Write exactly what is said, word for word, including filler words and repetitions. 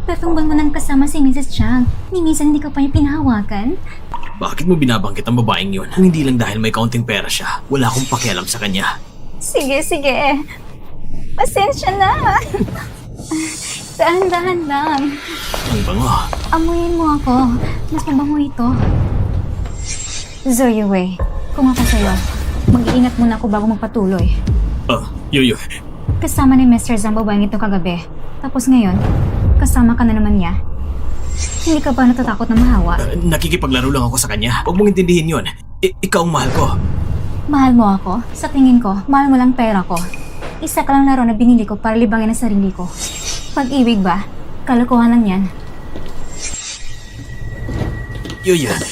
Tatlong buwan mo nang kasama si Missus Chang. Ni minsan hindi ka pa niya pinahawakan? Bakit mo binabanggit ang babaeng yun? Kung hindi lang dahil may kaunting pera siya, wala akong pakialam sa kanya. Sige, sige. Pasensya na. Dahan-dahan lang. Ang bango. Amuyin mo ako. Mas mabango ito. Zoe Wei, kung ako sa'yo, mag-iingat muna ako bago magpatuloy. Ah, Yoyo. Kasama ni Mister Zhang babaeng ito kagabi. Tapos ngayon, kasama ka na naman niya. Hindi ka ba natatakot na mahawa? Uh, nakikipaglaro lang ako sa kanya. Huwag mong intindihin yun. I- ikaw ang mahal ko. Mahal mo ako? Sa tingin ko, mahal mo lang pera ko. Isa ka lang laro na binili ko para libangin ang sarili ko. Pag-ibig ba? Kalokohan lang yan. Yoyo,